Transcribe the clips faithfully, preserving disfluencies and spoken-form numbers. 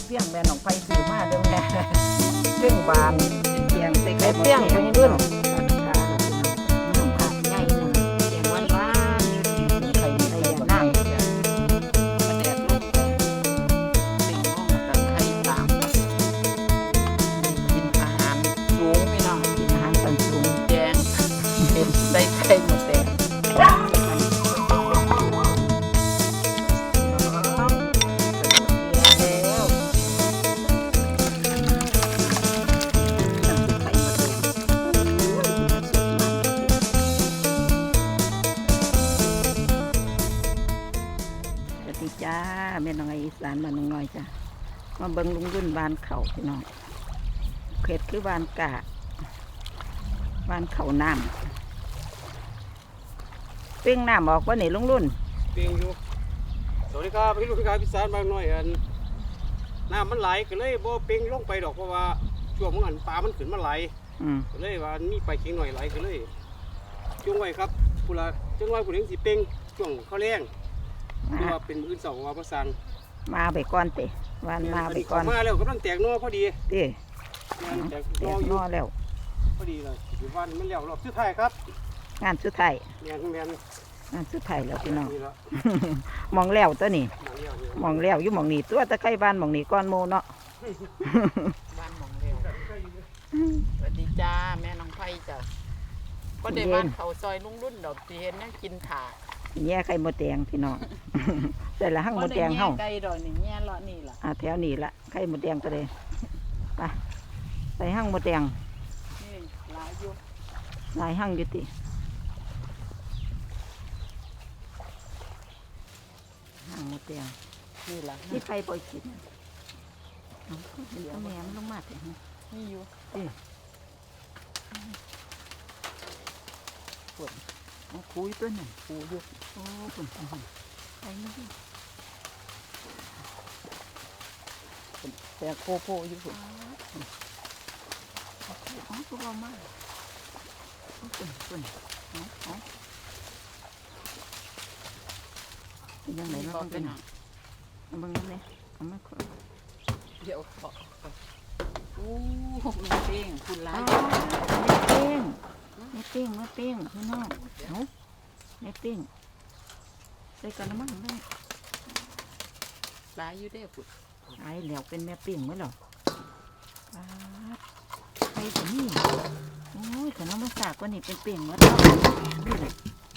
เปี้ยงแม่น้องไฟซื้อมาเด้อแม่เรื่องบานเกียงใส่ไข่เปี้ยงไปรุ่นน้ำผักใหญ่หนึ่งเกียงวันบ้านไข่ใส่ยาหน้ามาแดดลงสิ่งห้องกับไข่ตามกินอาหารสูงพี่น้องกินอาหารสันสูงแดงเป็นใส่ไข่หมดแดงจ้าแม่น้องไออีสานบ้านน้องน้อยจ้ะมาเบิ่งลุงรุ่นบ้านเขาพี่น้องเขตคือบ้านกะบ้านเขาน้ำเป้งน้ำออกว่าไหนลุงรุ่นเปียงอยู่สวัสดีครับพี่ลูกพี่กายพี่สานบางหน่อยอันน้ำมันไหลก็เลยบ่เปียงลงไปดอกเพราะว่าช่วงมันปลามันขึ้นมาไหลก็เลยว่ามีไปเคียงหน่อยไหลก็เลยช่วงไว้ครับผู้ละจังหวะผู้หญิงสิเปียงช่วงเขาแรงหรือว่าเป็นมื้อสองว่าประสังมาไปก่อนเตะวันมาไปก่อนมาแล้วกำลังแตกนอพอดีเตะแตกนออยู่แล้วพอดีเลยอยู่วันมันแล้วรอบสุดท้ายครับงานสุดท้ายแม่นแม่นงานสุดท้ายแล้วพี่น้องมองแล้วตัวนี้มองแล้วอยู่มองนี่ตัวตะไคร้บ้านมองนี่ก้อนโมเนาะบ้านมองแล้วสวัสดีจ้าแม่น้องไผ่จ้ะก็ได้บ้านเขาซอยลุงรุ่นดอกที่เห็นนะกินขาแย่ไข่มดแดงพี่น้องแต่ละหั่งมดแดงเฮาไก่ดอกนี่แย่เลาะนี่ล่ะอ่าแถวนี้ละไข่มดแดงก็เลยไปใส่หั่งมดแดงนี่หลายอยู่หลายหั่งอยู่ติหั่งมดแดงนี่ล่ะที่ไข่ปล่อยกินเอาเดี๋ยวแม่มันลงมาถึงนี่อยู่ติปวดคุยตัวหนึ่งคุยอยู่โอ้ปุ่นปุ่นปุ่นไอ้นี่แต่โคโพอยู่ปุ่นอ๋อตัวมากปุ่นปุ่นอ๋ออ๋อยังไงมันเป็นเอาบังนี่เอาไม่ค่อยเดี๋ยวขอโอ้ไม่เป้งคุณร้ายไม่เป้งไม่เป้งไม่เป้งพี่น้องเอาไม่เป้งใส่กันน้ำมันได้ลายอยู่ได้ปุดลายแล้วเป็นแม่เป้งไหมหรอใครจะนี่โอ้ยแต่น้องภาษาก็นี่เป็นเป้งแล้วนี่แหละ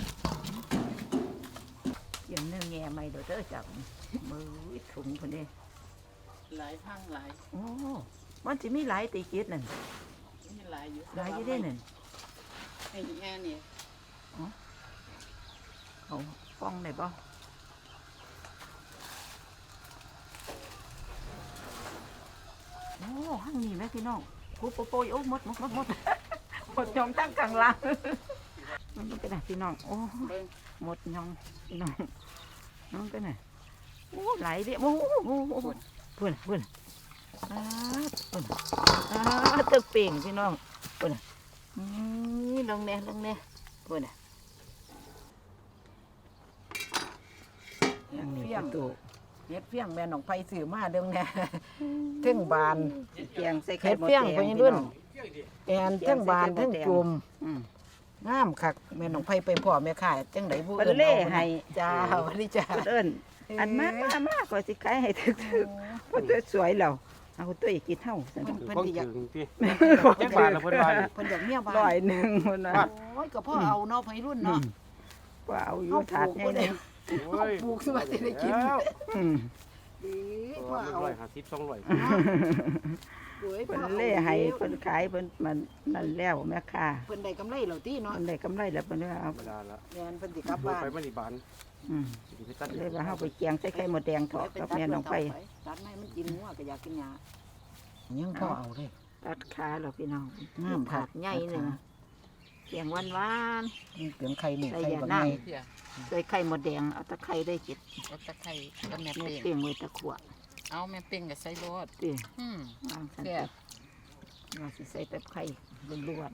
อย่างเนื้อแง่ไม่เดี๋ยวเธอจับมือถุงคนนี้หลายพังหลายโอ้มันจะมีหลายตีกีดนั่นมีหลายอยู่หลายอยู่ได้นั่นไอ้แง่เนี่ยเอาฟ้องได้ป่ะโอ้ห้างนี้ไหมพี่น้องกูโปโปยโอ้หมดหมดหมดหมดหมดยองตั้งกลางล่างมันเป็นไงพี่น้องโอ้หมดยองพี่น้องน้องเป็นไงโอ้ไหลเดียวโอ้โหเพื่อนเพื่อนอ่าเพื่อนอ่าตึกเป่งพี่น้องเพื่อนนี่ลงเนี่ยลงเนี่ยเพื่อนเปี้ยงเฮ็ดเปี้ยงแม่น้องไฟซื้อมาเด้อแม่เทั้งบานเกียงใส่ไข่เฮ็ดเปี้ยงไปรุ่นแอนเทั้งบานเทั้งจุ่มงามคักแม่น้องไฟไปพ่อแม่ขายจังได๋บ่เอิ้นเล่ให้จ้าวันนี้จ้าเอิ้นอันมากมากก็สิขายให้ถึกๆเพิ่นสวยแล้วเอาตัวอีกกินเฮาซั่นเพิ่นสิอยากจักบาทละเพิ่นว่าเพิ่นอยากเมียบ้านร้อยหนึ่งพุ่นน่ะโอ้ยก็พ่อเอาเนาะไปรุ่นเนาะว่าเอาอยู่ถาดใหญ่เลยปลูกสิว่าสิได้กินอืมดีพ่อเอาร้อยห้าสิบ สองร้อยเพิ่นเล่ให้เพิ่นขายเพิ่นมันนั่นแล้วแม่ค้าเพิ่นได้กำไรแล้วติเนาะเพิ่นได้กำไรแล้วเพิ่นว่าเอาแม่นเพิ่นสิกลับบ้านไปบ้านที่บ้านอืมเลยว่าเฮาไปเกียงใส่ไข่มดแดงทอดกับแม่น้องไฟตัดให้มันกินงัวก็อยากกินหญ้ายังพ่อเอาเด้ตัดขาแล้วพี่น้องงามผักใหญ่นึงเกียงหวานๆนี่เกียงไข่นี่ไข่บ่ใส่ใส่ไข่มดแดงเอาตะไคร้ได้จิตเอาตะไคร้ก็แม่เป้งเป้งไว้ตะขวดเอาแม่เป้งกับใส่รสติอืมวางซั่นติเราสิใส่ตะไคร้ล้วน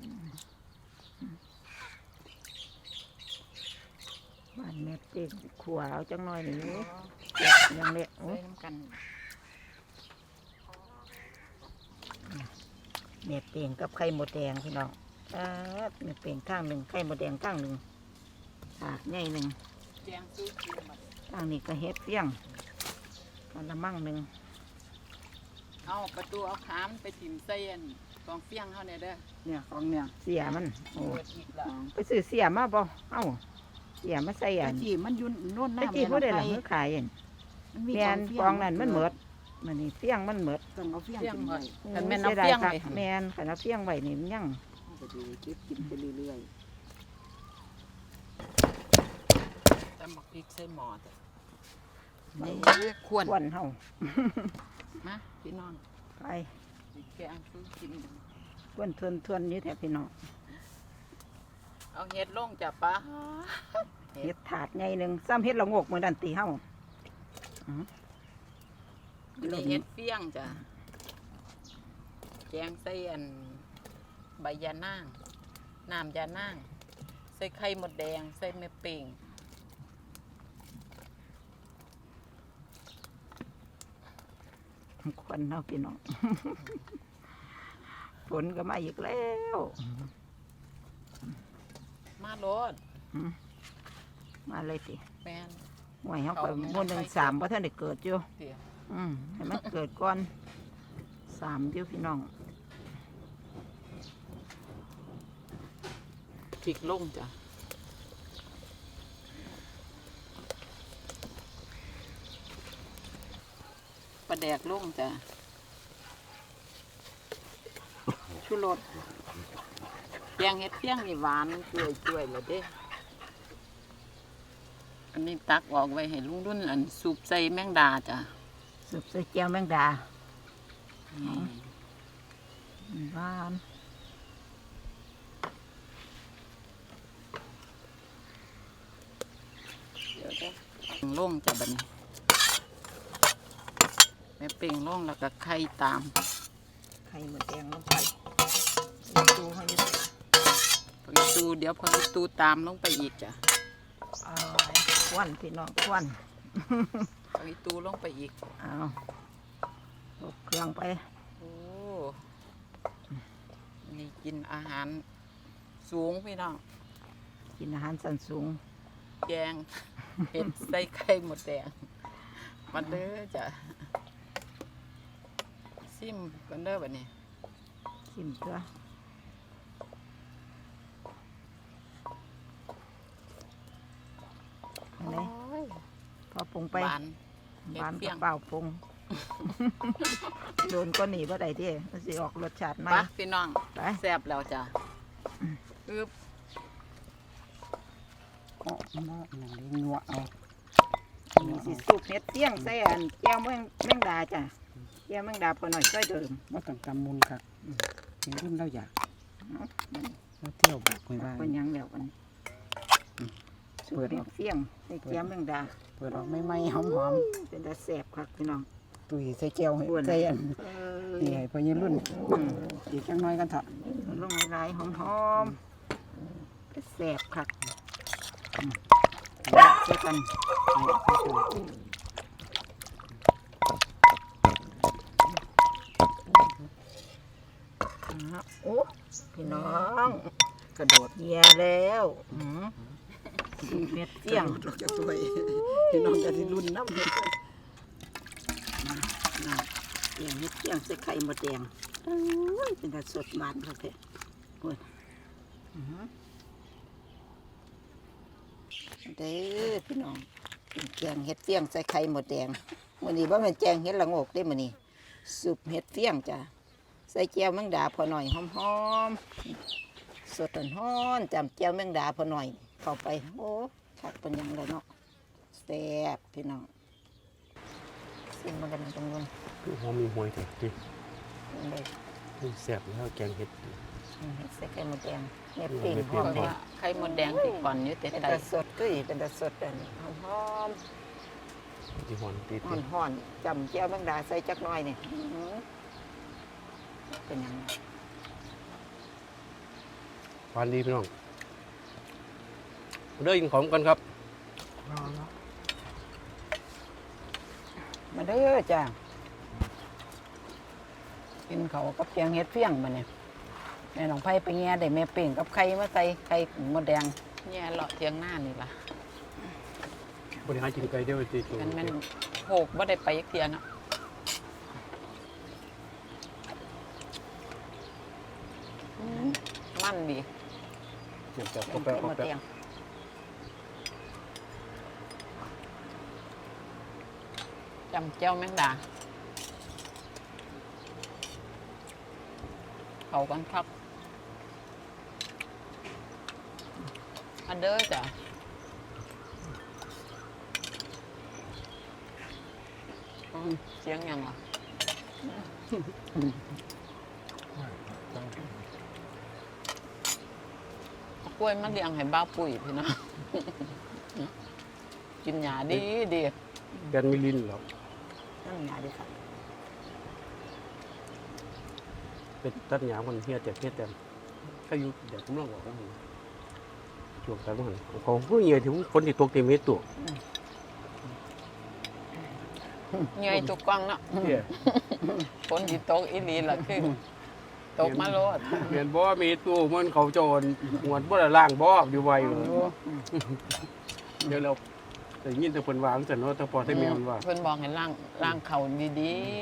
ๆบ้านแม่เป้งขวเอาจังหน่อยนี่ยังเละโอ้ใส่น้ำกันแม่เปียงกับไข่หมดแดงพี่น้องอ่าแม่เปียงข้างหนึ่งไข่หมดแดงข้างหนึ่งถาดใหญ่หนึ่งแจงซื้อกินหมดข้างนี้ก็เฮ็ดเฟี้ยงกระมังหนึ่งเอาประตูเอาขามไปถิ่มเส้นกองเฟี้ยงเขาเนี่ยเด้อเนี่ยของเนี่ยเสียมันโอ้เปิดอีกละไปซื้อเสียมาบ่เอ้าเสียมาใส่อัตะนกี้มันอยุ่นโน่นหตะน้ากี้ผู้ใดแม่ล่ะน้องมือขายเห็นมันมีแม่นเฟี้กองนั้นมันเหมิดมันนี่เฟี้ยงมันเหมิดต้องเอาเฟี้ยงเฟี้ยงกินหมไว้ดกันแม่นเอาเฟี้ยงสีไปดาคักแม่นขันเอาเฟี้ยงไว้นี่มันยังก็ดีเก็บกินไปเรื่อยตำบักพริกใส่หม้อจ้ะนี่ควรควนเฮามาพี่น้องไปแกงซื้อกินควนทวนทวนๆนี่แท้พี่น้องเอาเฮ็ดลงจ้ะปะเฮ็ดถาดใหญ่หนึ่งซ้ำเฮ็ดละโงกมือดันตีเฮาอันนี้เฮ็ดเฟี้ยงจ้ะแกงใส่อันใบยานางน้ำยานางใส่ไข่หมดแดงใส่แม่เป่งควนเฮาพี่น้อง ฝนก็มาอีกแล้วมาโลดมาเลยติแม่นหวยเฮาไปบนหนึ่งสามเพราะท่านได้เกิดอยู่เดี๋ยวอืมให้มันเกิดก่อนสามอยู่พี่น้องพริกลงจ้ะปลาแดกลงจ้ะชูรสแกงเห็ดเพียงนี่หวานจ่วยจ่วยๆเลยเด้ อันนี้ตักออกไว้ให้ลุงรุ่นอันสูบใส่แมงดาจ้ะสุบใส่แก้วแมงดาหวานเดี๋ยวเด้อลงจ้ะบัดนี้แม่เป่งลงแล้วก็ไข่ตามไข่หมดแดงลงไปดูให้ดูพออีตูเดี๋ยวพออีตูตามลงไปอีกจ้ะเอาควันพี่น้องควันพออีตูลงไปอีกเอาตกเครื่องไปโอ้นี่กินอาหารสูงพี่น้องกินอาหารสันสูงแกงเห็ดใส่ไข่หมดแดงมาเด้อจ้ะซิมกันเด้อบัดนี้ชิมตัวอันไหนพอปรุงไปหวาน เฮ็ดหวานเปรี้กัยบงเปล่าปรุง โดนก็หนีบ่ได้ที่มันสิออกรสชาติไหมปะพี่น้องไปแซ่บแล้วจ้ะอึบๆอ๋อหม้อนั่นเลยงัวเอานี่สิสูบเห็ดเตี้ยงใส่อันแก้วแมงแมงดาจ้ะแก้วแมงดาพอหน่อยช่วยเดิมว่าต้องกำมุนครับเห็นรุ่นเราอยากเราเที่ยวบอกไว้ว่าเป็นหยังแล้วกันสูบเห็ดเตี้ยงใส่แก้วแมงดาเปิดออกไม่ไหม้หอมเป็นตาแสบครับพี่น้องๆตุยใส่แก้วให้อ้วนใส่อันเอนี่ให้พอยี่รุ่นอีกจังน้อยกันเถอะอลงหลายๆหอมๆเป็นแสบครับอืมเจอกัน อ่าโอ้พี่น้องกระโดดเยียแล้วอืมสูบเห็ดเตี้ยงเราจะช่วยพี่น้องจะที่รุ่นน้ำเห็ดน่ะเตียงเฮ็ดเตียงใส่ไข่มดแดงโอ้ยเป็นแต่สดบานครับแท้โอ้ยอื้อหือเด้อพี่น้องเป็นแกงเฮ็ดเตียงใส่ไข่มดแดงมื้อนี้บ่แม่นแกงเฮ็ดละโงกเด้มื้อนี้ซุปเฮ็ดเตียงจ้ะใส่แก้วแมงดาพอหน่อยหอมๆสดร้อนๆจำแก้วแมงดาพอหน่อยเข้าไปโอ้คักเป็นหยังเลยเนาะแซ่บพี่น้องซิมมันกันตรงนู้นคือหอมมีหวยแท้ดิเลยแซ่บแล้วแกงเห็ดเฮ็ดใส่ไข่มดแดงเฮ็ดปิ้งหเฮ็อดมปิ้งแดว่าง ไข่หมดแดงติดก่อนอยู่แต่เป็นไตตาสดก็อีเป็นตาสดอันนี้หอมที่หอนติดๆห่อนๆจำเจียวแมงดาใส่จักหน่อยนี่อื้อหือเป็นหยังไงหวานดีพี่น้องเด้อกินของกันครับมาเด้อจ้ากินเขาวกับแกงเฮ็ดเฟี้ยงมาเนี่ยแม่น้องไผ่ไปแง่ได้แม่เป่งกับไข่มาใส่ไข่มดแดงแย่เลาะเทียงหน้านี่ล่ะบริหารกินไก่เดียวตีตัวมันแมันโหกบ่ได้ไปอีกเทียเนาะอืมมันดีเดี๋ยวจะแกก็งแปะเฮ็ดก็มดแปะแดงจำเจ้าแมงดาเขากันครับอันเด้อจ้ะอืมเสียงยังอ่ะเอากล้วยมาเลี้ยงให้บ้าวปุ๋ยพี่เนาะ กินหญ้าดีดีแกนมิลินหรอนั่นหยาดีครับเป็นตัดหยามันเฮียแต่เฮียแต่ถ้าอยู่เดี๋ยวผมลองบอกว่าช่วงแต่เมื่อไหร่เขาเพื่อเงี้ยถึงฝนที่ตกเต็มเม็ดตัวเหนื่อยทุกกล้องเนาะเฮียฝนที่ตกอีหลีล่ะคือตกมาโลดเห็นบ่มีตู้มันเขาโจรหวดบ่ได้ล่างบ่อยู่ไวเลยเดี๋ยวเราแต่ยินแต่เพิ่นวางซั่นเนาะแต่พอแต่แม่มันว่าเพิ่นบอกให้ล้างล้างเข่าดี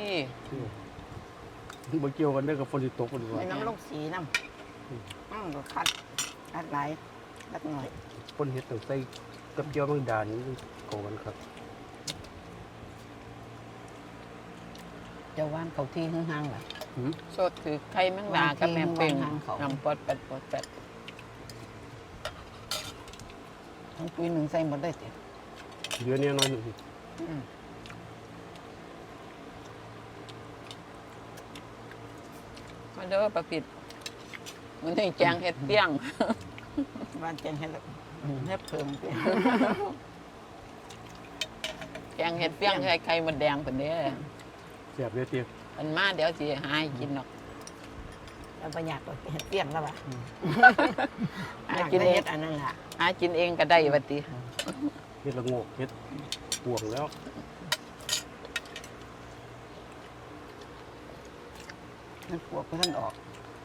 บ่เกี่ยวกันเด้อกับฝนที่ตกเพิ่นว่าไอ้น้ำลงสีน้ำอืมก็คัดคัดหลายคัดหน่อยฝนเฮ็ดต้องใส่กับเจียวบางดานนี่เข้ากันครับเจะว่านเขาที่ห่างๆล่ะหืมๆสดคือไข่แมงดากับแม่เป่งวางเขานำปอดแปดปอดแปดทั้งปีหนึ่งใส่หมดได้สิเดือนนี้น้อยหนึงมาเด้อประพิดมันให้แจงเฮ็ดเปี้ยงบ้านแจงให้ละเฮ็ดเพิ่มไปแจงเฮ็ดเปี้ยงไข่ไข่มดแดงเพิ่นเด้อแซ่บเลยเตี้ยเพิ่นมาเดี๋ยวสิหาให้กินเนาะแล้วประหยัดก็เฮ็ดเปรี้ยงแล้วว่ะหาอยากกินได้เอเฮ็งดอันนั้นล่ะหากินเองก็ได้ว่าติเฮ็ดละโงกเฮ็ดปวงแล้วมันปวกก็ท่านออก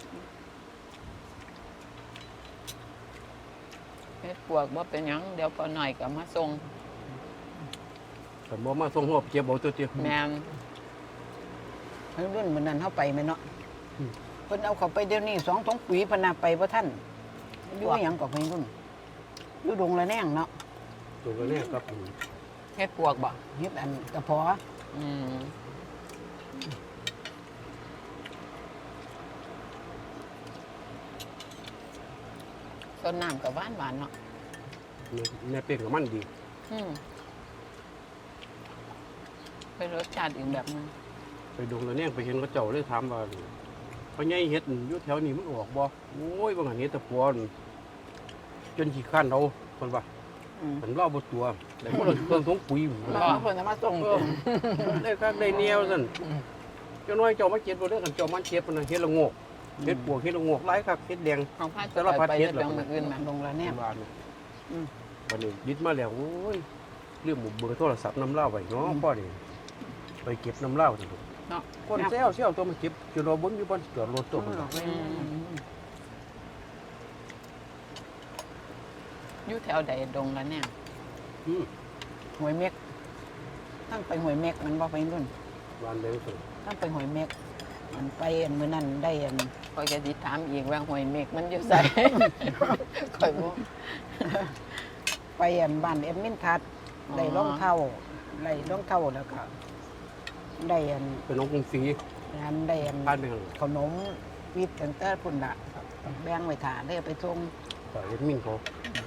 เฮ็ดปวกบ่เป็นหยังเดี๋ยวพอหน่อยก็มาส่งแต่บ่มาส่งหอบเก็บเอาตัวเตี้ยแม่นเพิ่นรุ่นมื้อนั้นเฮาไปแม่นเนาะอืมเพิ่นเอาเข้าไปเดี๋ยวนี้สองถุงปุ๋ยเพนน่ะไปบ่ทันอยู่อีหยังก็เพิ่นรุ่นอยู่ดงละแนงเนาะตัวก็เนี่ยครับเฮ็ดปวกบ่เฮ็ดอันกระเพาะอืมต้นน้ำกับหวานหวานๆเนาะแม่เป้งกับมันดีอืมเป็นรสชาติอีกแบบหนึงไปดงแล้วเนี่ยไปเห็นเขาเจ้าเลยถามว่าพ่อใหญ่เฮ็ดอยู่แถวนี้มันออกบ่โอ้ยบางอันเฮ็ดแตะปอนจนขี้ข้านเอาเพิ่นว่าอืมมันเล่าบ่ตัวแต่พวกเราเครื่องทงปุ๋ยแล้วเพิ่นจะมาส่งเออได้คักได้แนวซั่นเจ้าน้อยเจ้ามาเก็บบ่ได้กันเจ้ามันเก็บมันเฮ็ดละโงกเฮ็ดปวกเฮ็ดละโงกหลายคักเฮ็ดแดงของพาสารพัดไปเฮ็เฮ็ดดเหรอเรื่องมืออื่นมาดงละแนงบ้านนี่อืมบัดนี้ยึดมาแล้วโอ้ยเรื่องหมู่เบอร์โทรศัพท์น้ำเหล้าไว้เนาะพ่อนี่ไปเก็บน้ำเหล้าซั่นเนาะคนเซลเซลตัวมาเก็บจุดรอบนอยู่บนจอดรถตัวมันอยู่แถวใดดงละเนี่ยอืมหวยเม็กทั้งไปหวยเม็กมันบ่ไปรุ่นบ้านเดียวกันทั้งไปหวยเม็กมันไปอันมื้อนั้นได้อันคอยจะติถามอีกว่าหวยเมกมันอยู่ใส่ คอยบ่ไปอันบ้านเอ็มมินทัดอ๋อได้รองเท้าได้รองเท้าแล้วก็ได้อันเป็นน้องกรุงศรีอันได้อันผ่านไปข้างหลังขนมวิทย์ตั้งแต่พุ่นละแบ่งไว้ถาได้เอาไปส่งต่อยเอ็ดมินเขา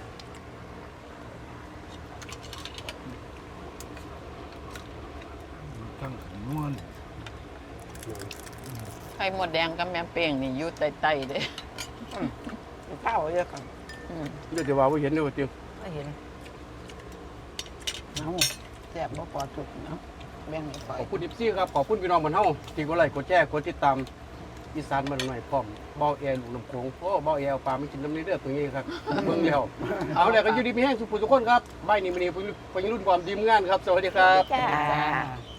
ไข่หมดแดงกับแม่เป้งนี่อยู่ใต้ๆเด้ข้าวเยอะกันอืมเดี๋ยวจะว่าว่าเห็นเด้อว่าเตียวไม่เห็นเอาแซ่บบ่พอสุดเนาะแบ่งให้ข่อยขอบคุณดิฟซี่ครับขอบคุณพี่น้องบ้านเฮาที่กดไลค์กดแชร์กดติดตามอีสานบ้านหน่อยพร้อมเบาแอร์ลูกน้ำโขงโอ้เบาแอร์เอาปลาไม่กินน้ำนี้เด้อตัวนี้ครับเบิ่งแล้วเอาแล้วก็อยู่ดีมีแห้งสุขทุกคนครับใบนี้มื้อนี้เพิ่นรุ่นความดีมงานครับสวัสดีครับจ้า